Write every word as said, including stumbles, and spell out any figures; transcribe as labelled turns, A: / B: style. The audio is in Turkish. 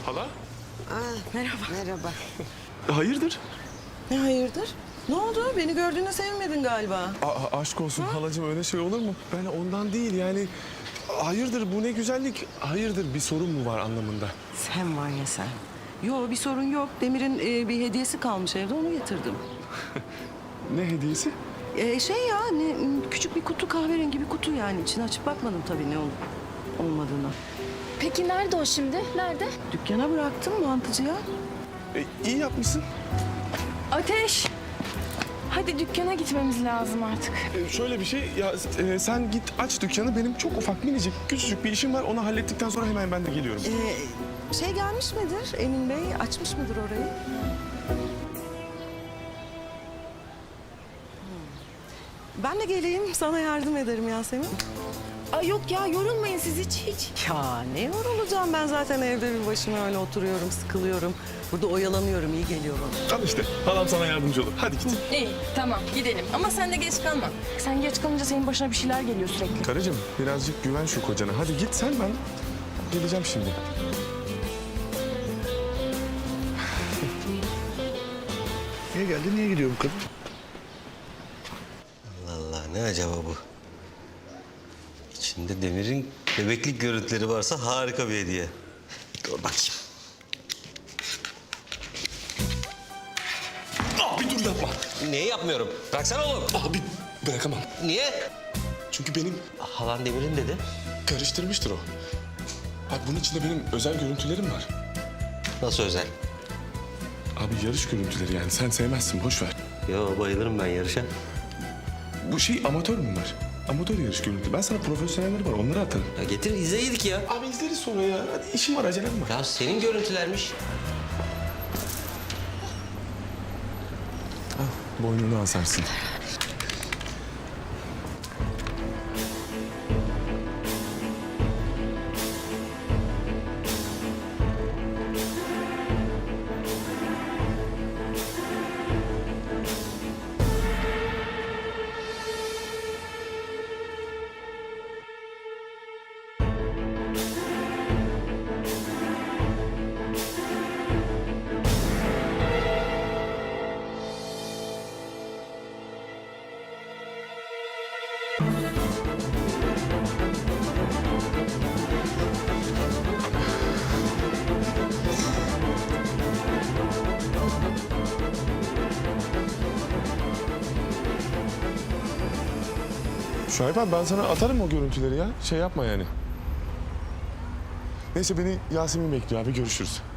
A: Hala?
B: Aa,
C: Merhaba.
B: merhaba.
A: Hayırdır?
C: Ne hayırdır? Ne oldu? Beni gördüğüne sevinmedin galiba.
A: Aa, aşk olsun halacığım, öyle şey olur mu? Ben ondan değil yani. Hayırdır, bu ne güzellik? Hayırdır, bir sorun mu var anlamında?
C: Sen var ya sen. Yo, bir sorun yok. Demir'in e, bir hediyesi kalmış evde, onu getirdim.
A: Ne hediyesi?
C: E, şey ya, ne, küçük bir kutu, kahverengi bir kutu yani. İçini açıp bakmadım tabii ne olup olmadığına.
D: Peki nerede o şimdi? Nerede?
C: Dükkana bıraktım mantıcıya.
A: E, iyi yapmışsın.
D: Ateş! Hadi dükkana gitmemiz lazım artık.
A: E, şöyle bir şey, ya e, sen git aç dükkanı. Benim çok ufak, minicik, küçücük bir işim var. Onu hallettikten sonra hemen ben de geliyorum.
C: E, şey gelmiş midir Emin Bey? Açmış mıdır orayı? Ben de geleyim, sana yardım ederim Yasemin.
D: Ay yok ya, yorulmayın siz hiç hiç.
C: Ya ne yorulacağım, ben zaten evde bir başıma öyle oturuyorum, sıkılıyorum. Burada oyalanıyorum, iyi geliyor bana.
A: Al işte, halam sana yardımcı olur. Hadi git.
D: İyi tamam gidelim ama sen de geç kalma. Sen geç kalınca senin başına bir şeyler geliyor sürekli.
A: Karıcığım, birazcık güven şu kocana. Hadi git sen, ben geleceğim şimdi.
E: Niye geldi, niye gidiyor bu kadın?
F: Allah Allah, ne acaba bu? İçinde Demir'in bebeklik görüntüleri varsa harika bir hediye. Dur bakayım.
A: Abi dur, yapma.
F: Niye yapmıyorum? Bıraksana oğlum.
A: Abi bırakamam.
F: Niye?
A: Çünkü benim
F: Halan Demir'in dedi.
A: karıştırmıştır o. Bak, bunun içinde benim özel görüntülerim var.
F: Nasıl özel?
A: Abi yarış görüntüleri yani, sen sevmezsin, boş ver.
F: Yo, bayılırım ben yarışa.
A: Bu şey amatör bunlar. Amatör yarış görüntü. Ben sana profesyonelleri var, onları atarım.
F: Ya getir izleydik ya.
A: Abi izleriz sonra ya. Hadi, işim var, acelem var.
F: Ya senin görüntülermiş.
A: Boynunu asarsın. Şahip abi, ben sana atarım o görüntüleri ya. Şey yapma yani. Neyse, beni Yasemin bekliyor abi, görüşürüz.